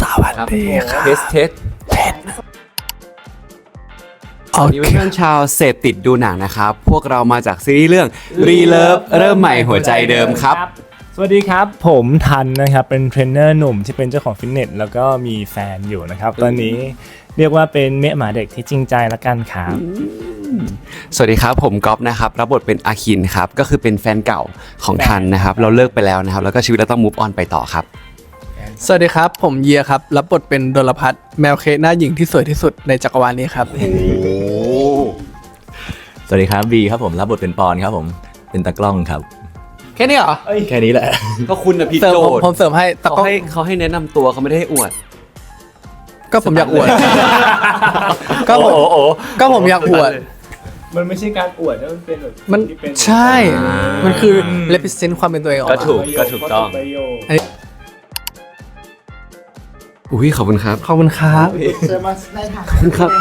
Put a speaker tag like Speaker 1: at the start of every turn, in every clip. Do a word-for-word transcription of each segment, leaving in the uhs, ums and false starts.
Speaker 1: สวัสดีครับ
Speaker 2: เทสเทส
Speaker 1: โอ
Speaker 2: สวัสดี
Speaker 1: เค
Speaker 2: เพื่อนๆชาวเสพติดดูหนังนะครับพวกเรามาจากซีรีส์เรื่อง Relove เริ่มใหม่หัวใจเดิมครับ
Speaker 3: สวัสดีครับผมทันนะครับเป็นเทรนเนอร์หนุ่มที่เป็นเจ้าของฟิตเนสแล้วก็มีแฟนอยู่นะครับตอนนี้เรียกว่าเป็นเมียหมาเด็กที่จริงใจละกันครับ
Speaker 2: สวัสดีครับผมก๊อฟนะครับรับบทเป็นอาคินครับก็คือเป็นแฟนเก่าของทันนะครับเราเลิกไปแล้วนะครับแล้วก็ชีวิตเราต้อง move on ไปต่อครับ
Speaker 1: สวัสดีครับผมเยียครับรับบทเป็นดลพัฒน์แมวเคหน้าหญิงที่สวยที่สุดในจักรวาลนี้ครับ
Speaker 4: สวัสดีครับบีครับผมรับบทเป็นปอนครับผมเป็นตากล้องครับ
Speaker 1: แค่นี้เหรอ
Speaker 4: แค่นี้แหละ
Speaker 2: ก็คุณนะพี่
Speaker 1: เสริม
Speaker 2: โจ
Speaker 1: ผมผมเสริมให้แต่
Speaker 2: เขา
Speaker 1: ก็
Speaker 2: ให้เขาให้แนะนำตัวเขาไม่ได้ให้อวด
Speaker 1: ก็ผมอยากอวดก็ผม
Speaker 4: โอ้โห
Speaker 1: ก็ผมอยากอวด
Speaker 3: มันไม่ใช่การอวดนะมันเป็นแบบ
Speaker 1: มัน
Speaker 3: ที่เป็น
Speaker 1: ใช่ มันคือ represent ความเป็นตัวเองออก
Speaker 2: ก็
Speaker 1: มา
Speaker 2: ถูกก็ถูกต้อง
Speaker 3: ประโยค
Speaker 2: อุ้ยขอบคุณครับ
Speaker 1: ขอบคุณครับ
Speaker 5: เจอมาในฐานะ
Speaker 2: ครับ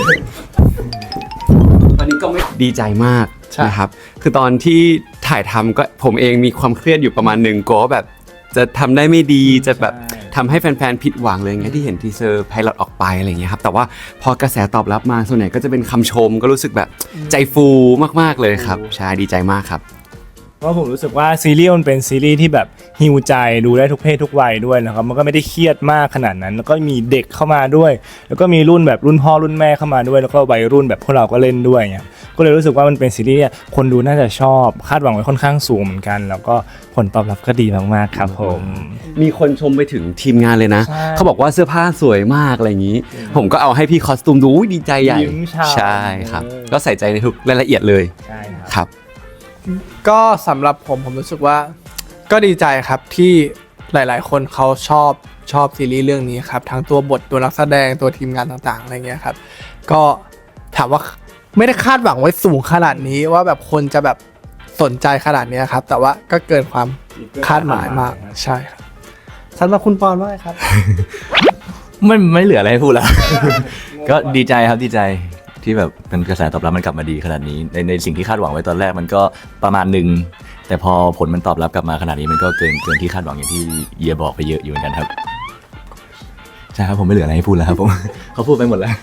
Speaker 2: ตอนนี้ก็ไม่ดีใจมากนะครับคือตอนที่ถ่ายทำก็ผมเองมีความเครียดอยู่ประมาณหนึ่งกลัวว่าแบบจะทำได้ไม่ดีจะแบบทำให้แฟนๆผิดหวังเลยไงที่เห็นทีเซอร์ไพลอตออกไปอะไรอย่างเงี้ยครับแต่ว่าพอกระแสตอบรับมาส่วนใหญ่ก็จะเป็นคำชมก็รู้สึกแบบใจฟูมากๆเลยครับใช่ดีใจมากครับ
Speaker 3: เพราะผมรู้สึกว่าซีรีส์มันเป็นซีรีส์ที่แบบฮิวใจดูได้ทุกเพศทุกวัยด้วยนะครับมันก็ไม่ได้เครียดมากขนาดนั้น แล้วก็มีเด็กเข้ามาด้วย แล้วก็มีรุ่นแบบรุ่นพ่อรุ่นแม่เข้ามาด้วยแล้วก็วัยรุ่นแบบพวกเราก็เล่นด้วยเนี่ยก็เลยรู้สึกว่ามันเป็นซีรีส์เนี่ยคนดูน่าจะชอบคาดหวังไว้ค่อนข้างสูงเหมือนกัน แล้วก็ผลตอบรับก็ดีมากๆครับผม
Speaker 2: มีคนชมไปถึงทีมงานเลยนะ
Speaker 3: ใช่
Speaker 2: เขาบอกว่าเสื้อผ้าสวยมากอะไรอย่างนี้ ผมก็เอาให้พี่คอสตูมดูอุ๊ยดีใจใหญ่
Speaker 3: ยิ้มฉ่ำ
Speaker 2: ใช่ครับ
Speaker 3: เออ
Speaker 2: ก็ใส่ใจในทุกรายละเอียดเลย
Speaker 3: ใช่ครับ
Speaker 2: ครับ
Speaker 1: ก็สำหรับผมผมรู้สึกว่าก็ดีใจครับที่หลายๆ คนเขาชอบชอบซีรีส์เรื่องนี้ครับทั้งตัวบทตัวนักแสดงตัวทีมงานต่างๆอะไรเงี้ยครับก็ถามว่าไม่ได้คาดหวังไว้สูงขนาดนี้ว่าแบบคนจะแบบสนใจขนาดนี้ครับแต่ว่าก็เกินความคาดหมายมากใช่ครับสำหรับคุณปอนว่าไงครับ
Speaker 4: ไม่ไม่เหลืออะไรให้พูดแล้ว ก็ดีใจครับดีใจที่แบบเป็นกระแสตอบรับมันกลับมาดีขนาดนี้ในในสิ่งที่คาดหวังไว้ตอนแรกมันก็ประมาณหนึ่งแต่พอผลมันตอบรับกลับมาขนาดนี้มันก็เกินเกินที่คาดหวังอย่างที่เยียบอกไปเยอะอยู่เหมือนกันครับใช่ครับผมไม่เหลืออะไรให้พูดแล้วครับผม เขาพูดไปหมดแล้ว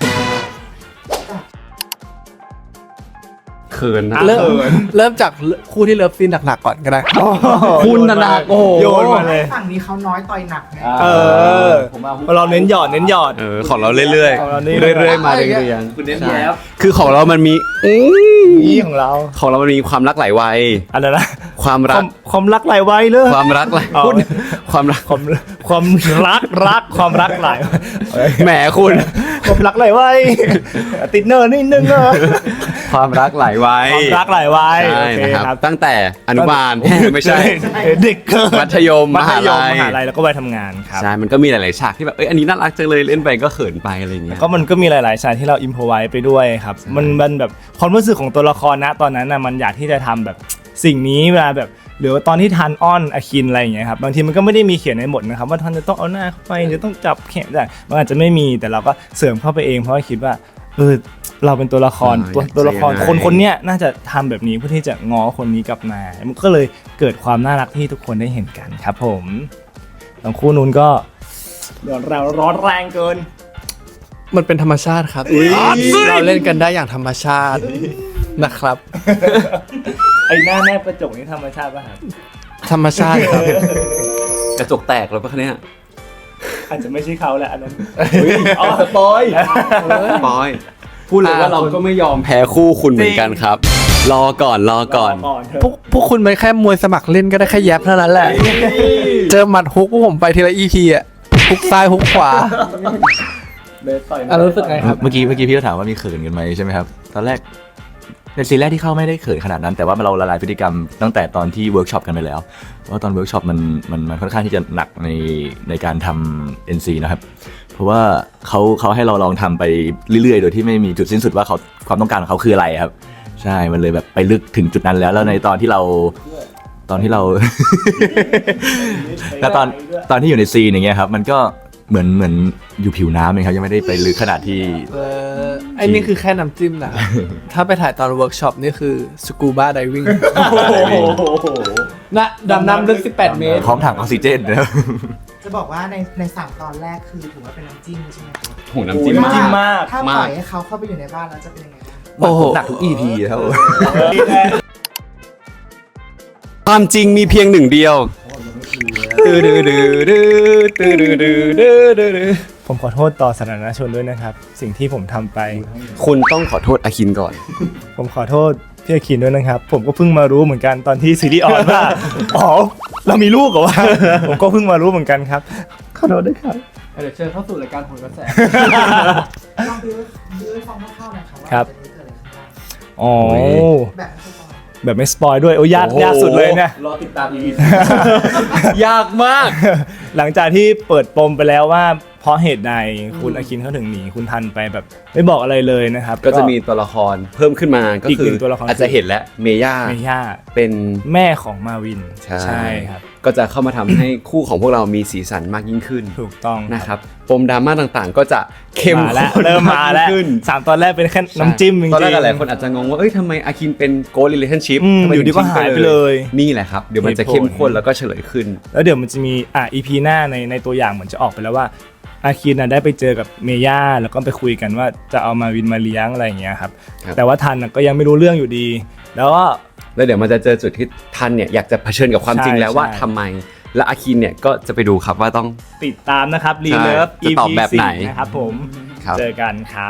Speaker 2: เขินนะ
Speaker 1: เริ่มเริ่มจากคู่ที่เลิฟซีนหนักๆก่อนก็ได้
Speaker 2: คุณนะนะโอ้โห
Speaker 3: โยนมาเลย
Speaker 5: ฝั่งนี้เขาน้อยต่อยหนักไง
Speaker 3: เออเราเน้นหยอดเน้นหยอด
Speaker 2: เออของเราเรื่อย
Speaker 3: ของเรา
Speaker 2: ๆ
Speaker 3: นี่
Speaker 2: เรื่อยๆมาเรื่อยๆ
Speaker 3: คุณเน้นแย้ม
Speaker 2: คือของเรามันมีอื้อ
Speaker 3: นี่ของเรา
Speaker 2: ของเรามันมีความรักหลายวัย
Speaker 3: อะไรนะ
Speaker 2: ความ
Speaker 3: ค
Speaker 2: รั
Speaker 3: วาก มความรักหลายวัยเลย
Speaker 2: ความรักหลาย
Speaker 3: อ๋อ
Speaker 2: พูดความรัก
Speaker 3: ความความรักรักความรักหลาย
Speaker 2: แหมคุณ
Speaker 3: ความรักหลายวัยติดเนอร์นิดนึงเนอะ
Speaker 2: ความรักหลายวัย
Speaker 3: ความรักหลายวัย
Speaker 2: ใช่
Speaker 3: โอเค
Speaker 2: นะครับตั้งแต่อนุบาล ไม่ใช่
Speaker 3: เด็กเกิน
Speaker 2: มัธยม
Speaker 3: มัธยม
Speaker 2: มหาลัย
Speaker 3: มหาลัยแล้วก็วัยทำงานครับ
Speaker 2: ใช่ มันก็มีหลาย ๆ ฉากที่แบบ เอ้ย อันนี้น่ารักจังเลย เล่นไปก็เขินไปอะไรอย่างเงี้ย
Speaker 3: ก็มันก็มีหลายๆฉากที่เราอิมพอไว้ไปด้วยครับมันมันแบบความรู้สึกของตัวละครนะตอนนั้นนะมันอยากที่จะทำแบบสิ่งนี้เวลาแบบหรือว่าตอนที่ทันอ้อนอาคินอะไรอย่างเงี้ยครับบางทีมันก็ไม่ได้มีเขียนในบทนะครับว่าทันจะต้องเอาหน้าเข้าไปจะต้องจับแขนได้มันอาจจะไม่มีแต่เราก็เสริมเข้าไปเองเพราะว่าคิดว่าเออเราเป็นตัวละคร
Speaker 2: อ่า
Speaker 3: ตัว
Speaker 2: อยาก
Speaker 3: ตัวละคร
Speaker 2: จะยังไง
Speaker 3: คนคนเนี้ยน่าจะทำแบบนี้เพื่อที่จะง้อคนนี้กลับมามันก็เลยเกิดความน่ารักที่ทุกคนได้เห็นกันครับผมทั้งคู่นู้นก็เดี๋ยวเราร้อนแรงเกิน
Speaker 1: มันเป็นธรรมชาติครับเราเล่นกันได้อย่างธรรมชาตินะครับ
Speaker 3: ไอ้หน้าแนบกระจกนี่ธรรมชาติป่ะครับ
Speaker 1: ธรรมชาติครับ
Speaker 2: กระจกแตกแล้วปะคะเนี่ย
Speaker 3: อาจจะไม่ใช่เขาแหละอันนั้นอ๋อสปอย
Speaker 2: ปอย พูดเลยว่าเราก็ไม่ยอมแพ้คู่คุณเหมือนกันครับ รอก่อน รอก่อน
Speaker 3: ก่อนเถอะ
Speaker 1: พวกพวกคุณเป็นแค่มวยสมัครเล่นก็ได้แค่แยบเท่านั้นแหละ เจอหมัดฮุกพวกผมไปทีละอีพีอ่ะฮุกซ้ายฮุกขวา
Speaker 3: เลยต่อย
Speaker 1: อ่ะรู้สึกไงครับ
Speaker 4: เมื่อกี้เมื่อกี้พี่ก็ถามว่ามีเขินกันไหมใช่ไหมครับตอนแรกในซีนแรกที่เข้าไม่ได้เขินขนาดนั้น แต่ว่าเราละลายพฤติกรรมตั้งแต่ตอนที่เวิร์กช็อปกันไปแล้วเพราะว่าตอนเวิร์กช็อปมันมันมันค่อนข้างที่จะหนักในในการทำ เอ็น ซี นะครับเพราะว่าเขาเขาให้เราลองทำไปเรื่อยๆ โดยที่ไม่มีจุดสิ้นสุดว่าเขาความต้องการของเขาคืออะไรครับใช่มันเลยแบบไปลึกถึงจุดนั้นแล้วแล้วในตอนที่เราตอนที่เรา แล้วตอนตอนที่อยู่ในซีนอย่างเงี้ยครับมันก็เหมือนเหมือนอยู่ผิวน้ำเองครับยังไม่ได้ไปลึกขนาดที่
Speaker 1: เออไอ้นี่คือแค่น้ำจิ้มนะ ถ้าไปถ่ายตอนเวิร์กช็อปนี่คือสกูบ้าไดวิ่งนะดำน้ำลึกสิบแปดเมตร
Speaker 4: พร้อมถังออกซิเจนนะครับ
Speaker 5: จะบอกว่าในในสามตอนแรกคือถือว่าเป็นน้ำจิ้มใช่ไหมคะ
Speaker 2: โหน้ำจิ้ม
Speaker 3: น้ำจิ้มมาก
Speaker 5: ถ้าปล่อยให้เขาเข้าไปอยู่ในบ้านแล้วจะเป็นยังไงบ้าง
Speaker 1: โอ้โห
Speaker 4: หนักทุก อี พี ครับผม
Speaker 2: ความจริงมีเพียงหนึ่งเดียวดื้อดื้อดื้อดื้อดื้อดื้อดื้อดื้อดื้อดื้อ
Speaker 3: ผมขอโทษต่อสาธารณชนด้วยนะครับ สิ่งที่ผมทำไป
Speaker 2: คุณต้องขอโทษอาคินก่อน
Speaker 3: ผมขอโทษพี่อาคินด้วยนะครับ ผมก็เพิ่งมารู้เหมือนกันตอนที่ซีรีส์ออนว่า อ๋อเรามีลูกเหรอวะ ผมก็เพิ่งมารู้เหมือนกันครับ ขอโทษด้วยครับ
Speaker 1: เดี๋ยวเชิญเข้าสู่รายการผลกระแส
Speaker 5: ลองบิวบิวให้ฟังคร่าวๆหน่อยค่ะว่า
Speaker 3: ครับ
Speaker 5: จะเกิดอะไรขึ้นบ้าง
Speaker 3: อ๋อ
Speaker 5: แบบไม่ใช่ตอน
Speaker 3: แบบไม่สปอยด้วยโอ้ยากยากสุดเลยเนี่ย
Speaker 4: รอติดตาม อี พี
Speaker 2: ยากมาก
Speaker 3: หลังจากที่เปิดปมไปแล้วว่าเพราะเหตุใดคุณอาคินเขาถึงหนีคุณทันไปแบบไม่บอกอะไรเลยนะครับ
Speaker 2: ก็จะมีตัวละครเพิ่มขึ้นมาก็
Speaker 3: อีก
Speaker 2: คื
Speaker 3: หนึ่
Speaker 2: อง
Speaker 3: ตัวละคร
Speaker 2: อาจจะเห็นแล้วเมย่า
Speaker 3: เมย่า
Speaker 2: เป็น
Speaker 3: แม่ของมาวิน
Speaker 2: ใช่
Speaker 3: ครับ
Speaker 2: ก็จะเข้ามาทำให้คู่ของพวกเรามีสีสันมากยิ่งขึ้น
Speaker 3: ถูกต้อง
Speaker 2: นะครับปมดราม่าต่างๆ ก็จะเข้ม
Speaker 3: มาแล้ว
Speaker 2: ข้น
Speaker 3: เริ่มมาแล้ว
Speaker 2: ขึ้น
Speaker 3: สามตอนแรกเป็นแค่น้ำจิ้มจริงๆ
Speaker 2: ตอนแรกหลายคนอาจจะงงว่าเอ้ยทำไมอาคินเป็นโกล relationship
Speaker 3: อืม
Speaker 2: ทำไม
Speaker 3: อยู่ดีก็หายไปเลย
Speaker 2: นี่แหละครับเดี๋ยวมันจะเข้มข้นแล้วก็เฉลยขึ้น
Speaker 3: แล้วเดี๋ยวมันจะมีอ่ะ อี พี หน้าในในตัวอย่างเหมือนจะออกไปแล้วว่าอาคินน่ะได้ไปเจอกับเมย่าแล้วก็ไปคุยกันว่าจะเอามาวินมาเลี้ยงอะไรอย่างเงี้ยครับ
Speaker 2: ครับ
Speaker 3: แต่ว่าทันน่ะก็ยังไม่รู้เรื่องอยู่ดี แล้วก็
Speaker 2: แล้วเดี๋ยวมันจะเจอจุดที่ทันเนี่ยอยากจะเผชิญกับความจริงแล้วว่า
Speaker 3: ใช่
Speaker 2: ทำไม และอาคินเนี่ยก็จะไปดูครับว่าต้อง
Speaker 3: ติดตามนะครับรีเลิฟ
Speaker 2: ใช่จะตอบแบบไหน
Speaker 3: นะครับผม
Speaker 2: ครับ
Speaker 3: เจอกันครับ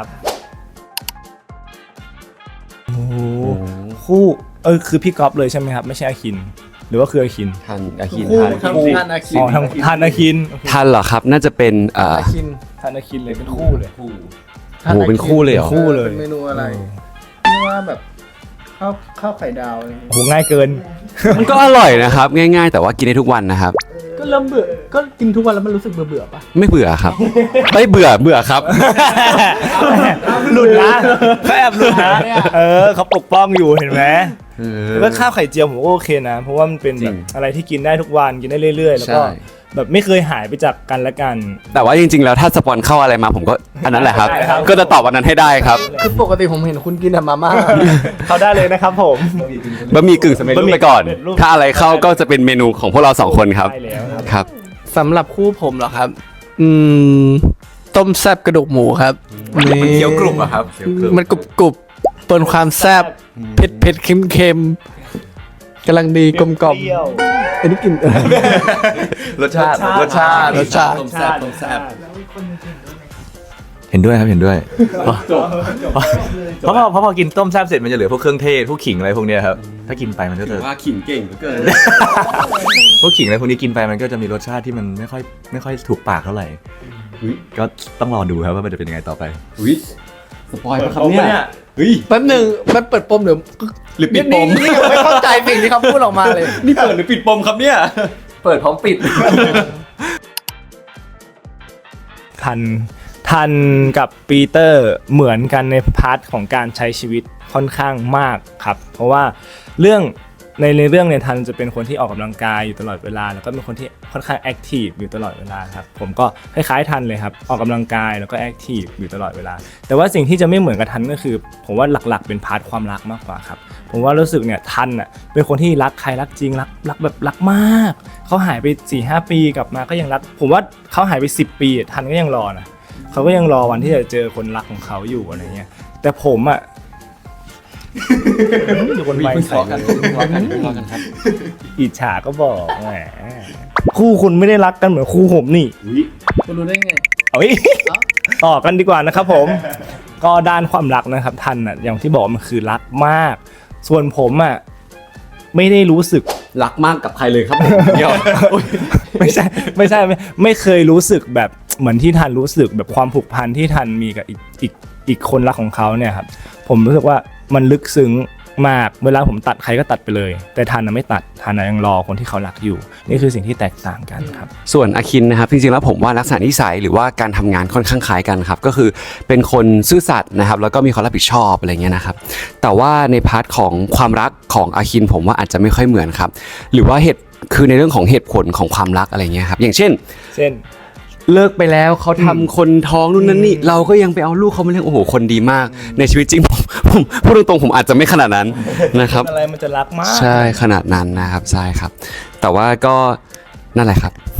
Speaker 3: โอ้โหคู่เออคือพี่ก๊อฟเลยใช่ไหมครับไม่ใช่อาคิน หรือว่าคืออาคิน
Speaker 2: ทันอาคิน
Speaker 1: คู่
Speaker 2: ทัน
Speaker 1: ทั้ง
Speaker 2: คู่
Speaker 1: ท่านอาคิน
Speaker 3: อ๋อทางทันอาคินโอเค
Speaker 2: ทันเหรอครับน่าจะเป็นเอ่อ
Speaker 1: อาคิน
Speaker 3: ทันอาคินเลยเป็นคู่เลย
Speaker 2: โอ้โหเป็นคู่เลยเหรอ
Speaker 3: คู่เลย
Speaker 1: เป็นเมนูอะไรนี่ว่าแบบข้าวข้าวไข่ดาวอะไรอย่าง
Speaker 3: โอ้
Speaker 1: เงี้ย
Speaker 3: โหง่ายเกิน
Speaker 2: มันก็อร่อยนะครับง่ายๆ แต่ว่ากินได้ทุกวันนะครับ
Speaker 1: ก็เริ่มเบื่อก็กินทุกวันแล้วมันรู้สึกเบื่อเบื่อๆปะ
Speaker 2: ไม่เบื่อครับไม่เบื่อเบื่อครับ
Speaker 3: หลุดนะเขาแอบหลุดนะเออเขาปกป้องอยู่เห็นไหม
Speaker 2: เออ
Speaker 3: แล้วก็ข้าวไข่เจียวผมก็โอเคนะ เพราะว่ามันเป็น
Speaker 2: จริ
Speaker 3: แบ
Speaker 2: ง
Speaker 3: บอะไรที่กินได้ทุกวันกินได้เรื่อยๆ แล้วก็
Speaker 2: ใช่
Speaker 3: แบบไม่เคยหายไปจากกันและกัน
Speaker 2: แต่ว่าจริงๆ แล้วถ้าสปอนเข้าอะไรมาผมก็อันนั้นแหละครับ
Speaker 3: ได้ครับ
Speaker 2: ก็จะตอบวันนั้นให้ได้ครับ
Speaker 1: คือปกติผมเห็นคุณกินแต่มาม่า
Speaker 3: เขาได้เลยนะครับผม
Speaker 2: บะหมี่กึ่งสำเร็จรูปไปก่อน
Speaker 3: บะหมี่กึ่งสำเร็จรูป
Speaker 2: ถ้าอะไรเข้าก็จะเป็นเมนูของพวกเราสองคนครับ
Speaker 3: ได้แล้วครับ
Speaker 2: ครับ
Speaker 1: สำหรับคู่ผมเหรอครับ อืม ต้มแซ่บกระดูกหมูครับ
Speaker 2: มันเคี้ยวกรุบอะครับ
Speaker 1: มันกรุบกรุบปนความแซ่บเผ็ดเผ็ดเค็มเค็มกำลังดีกลมกล่อม
Speaker 3: เปรี้ยว
Speaker 1: อันนี้กลิน
Speaker 2: รสชาติ
Speaker 3: รสชาติ
Speaker 1: รสชาติ
Speaker 2: ต้มแซ่บต้มแซ่บ
Speaker 5: แล้วอีกคนหนึงเห็นด้วยไหมคะ
Speaker 4: เห็นด้วยครับเห็นด้วย เพราะพอเพราะพอกินต้มแซ่บเสร็จมันจะเหลือพวกเครื่องเทศพวกขิงอะไรพวกเนี้ยครับถ้ากินไปมันก็จะ
Speaker 2: ว่าขิงเก่งเหลือเกิน
Speaker 4: พวกขิงอะไรพวกนี้กินไปมันก็จะมีรสชาติที่มันไม่ค่อยไม่ค่อยถูกปากเท่าไหร่
Speaker 2: อุ๊ย
Speaker 4: ก็ต้องรอดูครับว่ามันจะเป็นยังไงต่อไป
Speaker 2: อุ้ยสปอยล์ปะครับเนี่ยเฮ้ย
Speaker 1: แป๊บหนึ่งมันเปิดปมเดี๋ยว
Speaker 2: หรือปิดปม
Speaker 1: นี่นี่ยังไม่เข้าใจสิ่งที่เขาพูดออกมาเลย
Speaker 2: นี่เปิดหรือปิดปมครับเนี่ย
Speaker 1: เปิดพร้อมปิด
Speaker 3: ทันทันกับปีเตอร์เหมือนกันในพาร์ทของการใช้ชีวิตค่อนข้างมากครับ เพราะว่าเรื่องในในเรื่องเนี่ยทันจะเป็นคนที่ออกกำลังกายอยู่ตลอดเวลา แล้วก็เป็นคนที่ค่อนข้างแอคทีฟอยู่ตลอดเวลาครับผมก็คล้ายๆทันเลยครับออกกำลังกายแล้วก็แอคทีฟอยู่ตลอดเวลา แต่ว่าสิ่งที่จะไม่เหมือนกับทันก็คือ ผมว่าหลักๆเป็นพาร์ทความรักมากกว่าครับผมว่ารู้สึกเนี่ยทันอ่ะเป็นคนที่รักใครรักจริงรักรักแบบรักมากเขาหายไป สี่ห้า ปีกลับมาก็ยังรัก ผมว่าเขาหายไปสิบปีทันก็ยังรอนะเขาก็ยังรอวันที่จะเจอคนรักของเขาอยู่อะไรเงี้ยแต่ผมอ่ะ อยู่บนไม้ใส่เลยอิจฉาก็บอกแหมคู่คุณไม่ได้รักกันเหมือนคู่ผมนี่
Speaker 1: คุณรู้ได้ไง
Speaker 3: เอาอีกต่อกันดีกว่านะครับผม ก็ด้านความรักนะครับทันอ่ะอย่างที่บอกมันคือรักมาก ส่วนผมอ่ะไม่ได้รู้สึก
Speaker 2: รักมากกับใครเลยครับผมเดี๋ยว
Speaker 3: ไม่ใช่ไม่ใช่ไม่ไม่เคยรู้สึกแบบเหมือนที่ทันรู้สึกแบบความผูกพันที่ทันมีกับอีกอีกอีกคนรักของเขาเนี่ยครับผมรู้สึกว่ามันลึกซึ้งมากเวลาผมตัดใครก็ตัดไปเลย แต่ทันน่ะไม่ตัดทันน่ะยังรอคนที่เขารักอยู่ นี่คือสิ่งที่แตกต่างกันครับ
Speaker 2: ส่วนอาคินนะครับจริงๆแล้วผมว่าลักษณะนิสัยหรือว่าการทำงานค่อนข้างคล้ายกันครับก็คือเป็นคนซื่อสัตย์นะครับแล้วก็มีความรับผิดชอบอะไรเงี้ยนะครับแต่ว่าในพาร์ทของความรักของอาคินผมว่าอาจจะไม่ค่อยเหมือนครับหรือว่าเหตุคือในเรื่องของเหตุผลของความรักอะไรเงี้ยครับอย่างเช่น
Speaker 3: เช่น
Speaker 2: เลิกไปแล้วเขาทำคนท้องนู่นนั่นนี่เราก็ยังไปเอาลูกเขามาเลี้ยงโอ้โหคนดีมากในชีวิตจริงผมผมพูดตรงๆผมอาจจะไม่ขนาดนั้นนะครับ
Speaker 3: อะไรมันจะรักมาก
Speaker 2: ใช่ขนาดนั้นนะครับใช่ครับ แต่ว่าก็นั่นแหละครับ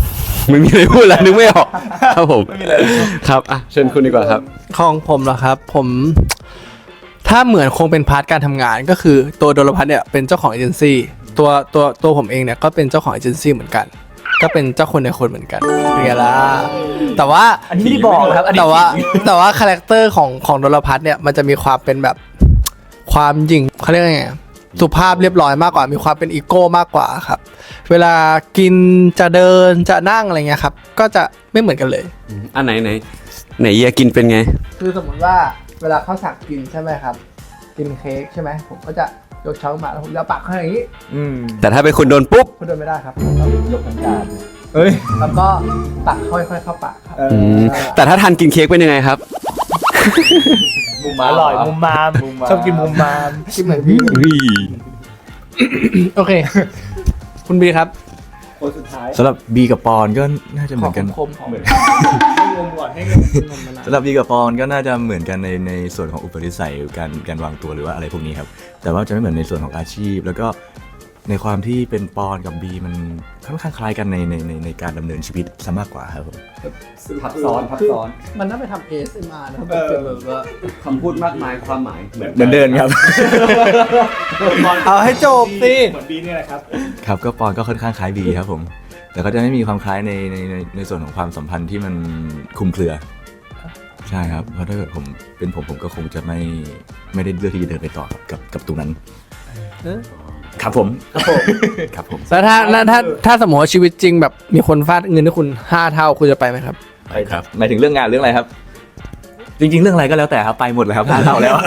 Speaker 2: ไม่มีอะไรพูดแล้วนึกไม่ออกครับผมครับอ่ะเชิญคุณดีกว่าครับ
Speaker 1: ของผมเหรอครับ ผมถ้าเหมือนคงเป็นพาร์ทการทำงานก็คือตัวโดลพัทเนี่ยเป็นเจ้าของเอเจนซี่ตัวตัวตัวผมเองเนี่ยก็เป็นเจ้าของเอเจนซี่เหมือนกัน ก็เป็นเจ้าคนในคนเหมือนกันเป็นไงล่ะแต่ว่า
Speaker 4: อันนี้ไม่ได้บอกครับอันนี้
Speaker 1: แต่ว่าแต่ว่าคาแรคเตอร์ของของโดลพัทเนี่ยมันจะมีความเป็นแบบความหยิ่งเขาเรียกว่าไงสุภาพเรียบร้อยมากกว่ามีความเป็นอีโก้มากกว่าครับ เวลากินจะเดินจะนั่งอะไรเงี้ยครับก็จะไม่เหมือนกันเลย
Speaker 2: อันไหนไหนไหนเยียกินเป็นไง
Speaker 1: คือสมมติว่าเวลาข้าวสักกินใช่ไหมครับ กินเค้กใช่ไหมผมก็จะยกช้อนมาแล้วผมจะเอาปากเข้าอย่างนี้
Speaker 3: อืม
Speaker 2: แต่ถ้าเป็นคุณโดนปุ๊บ
Speaker 1: คุณเดินไม่ได้ครับต้องยกทั้งจาน
Speaker 3: เอ้ย
Speaker 1: แล้วก็ตักค่อยๆเข้าปากครับ
Speaker 3: เออ
Speaker 2: อืมแต่ถ้าทานกินเค้กเป็นยังไงครับ
Speaker 4: มุม
Speaker 3: อร่อยมุมมามชอบกินมุมมาม
Speaker 1: คิดเหมือนพี่
Speaker 2: อุ้ย
Speaker 1: โอเค คุณบีครับ
Speaker 3: คนสุดท้าย
Speaker 4: สำหรับบีกับปอนก็น่าจะเหมือนกัน
Speaker 1: คมของ
Speaker 3: ให้งมก่อนให้งม
Speaker 4: สำหรับบีกับปอนก็น่าจะเหมือนกันในในส่วนของอุปนิสัยการการวางตัวหรือว่าอะไรพวกนี้ครับแต่ว่าจะไม่เหมือนในส่วนของอาชีพ แล้วก็ในความที่เป็นปอนกับบีมันค่อนข้างคล้ายกันในในในในการดำเนินชีวิตซะมากกว่าครับผม
Speaker 2: ทับซ้อนทับซ้อน
Speaker 1: มันน่าไปทำ เอ เอส เอ็ม อาร์ นะครับแบบเป็นแบบว่า
Speaker 2: คำพูดมากมายความหมายเหมือน
Speaker 4: เหมือนเดินครับ
Speaker 1: เอาให้จบสิ
Speaker 3: เหมือนบีนี่แหละครับ
Speaker 4: ครับก็ปอนก็ค่อนข้างคล้ายบีครับผม แต่ก็จะไม่มีความคล้ายในในในในส่วนของความสัมพันธ์ที่มันคลุมเครือ ใช่ครับ เพราะถ้าเกิดผมเป็นผมผมก็คงจะไม่ไม่ได้เลือกที่จะเดินไปต่อกับกับกับตรงนั้น
Speaker 1: เอ๊ะ
Speaker 4: ครับผมครับผมครับผม
Speaker 1: แล้วถ้าถ้าถ้าถ้าสมมติว่าชีวิตจริงแบบมีคนฟาดเงินให้คุณห้าเท่าคุณจะไปไหมครับ
Speaker 4: ไปครับหมายถึงเรื่องงานเรื่องอะไรครับ จริง ๆ เรื่องอะไรก็แล้วแต่ครับไปหมดเลยครับงานเราแล้ว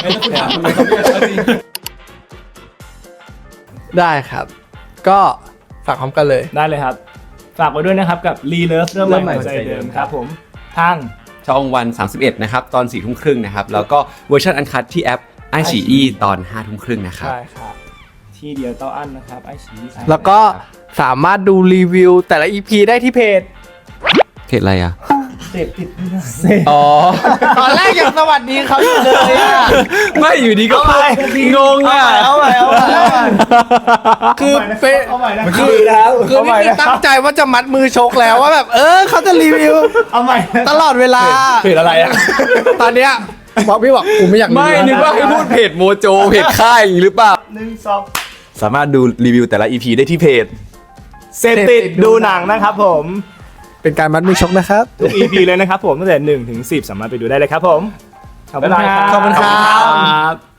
Speaker 1: ได้ครับ ก็ฝากพร้อมกันเลย
Speaker 3: ได้เลยครับ ฝากไว้ด้วยนะครับกับรีเลิฟเริ่มใหม่หัวใจเดิมครับผมทาง
Speaker 2: ช่องวันสามสิบเอ็ดนะครับ ตอนสี่ทุ่มครึ่งนะครับ แล้วก็เวอร์ชันอันคัดที่แอปไอฉีอีตอนห้าทุ่มครึ่งนะครับ
Speaker 1: ใช่ครับ
Speaker 3: ที่เดียวเต้าอั้นนะครับไอชี
Speaker 1: แล้วก็สามารถดูรีวิวแต่ละ อี พี ได้ที่เพจ
Speaker 2: เพจอะไรอ่ะ
Speaker 3: เสพติดไม่ได้เสพ
Speaker 2: อ๋อ
Speaker 1: ตอนแรกยังสวัสดีเขาอยู่เลยอะ
Speaker 2: ไม่อยู่ดีก็งงอ่ะ
Speaker 3: เอาใหม่เอาใหม่เอาใหม่
Speaker 1: คือเป็น
Speaker 3: เอาใหม่นะ
Speaker 1: คือคือนี่คือตั้งใจว่าจะมัดมือชกแล้วว่าแบบ เออเขาจะรีวิว
Speaker 3: เอาใหม่นะ
Speaker 1: ตลอดเวลา
Speaker 3: เพจอะไรอ่ะ
Speaker 1: ตอนเนี้ยบอกพี่บอกกูไม่อยากรีวิว
Speaker 2: ไม่นึกว่าให้พูดเพจโมโจเพจค่ายอย่างนี้หรือเปล่า
Speaker 3: หนึ่งสอง
Speaker 4: สามารถดูรีวิวแต่ละ อี พี ได้ที่เพจ
Speaker 3: เสพติดดูหนังนะครับผม
Speaker 1: เป็นการมัดมือชกนะครับ
Speaker 3: ทุก อี พี เลยนะครับผมตั้งแต่หนึ่งถึงสิบสามารถไปดูได้เลยครับผมขอบคุณครับ
Speaker 1: ขอบคุณครับ
Speaker 2: ครับ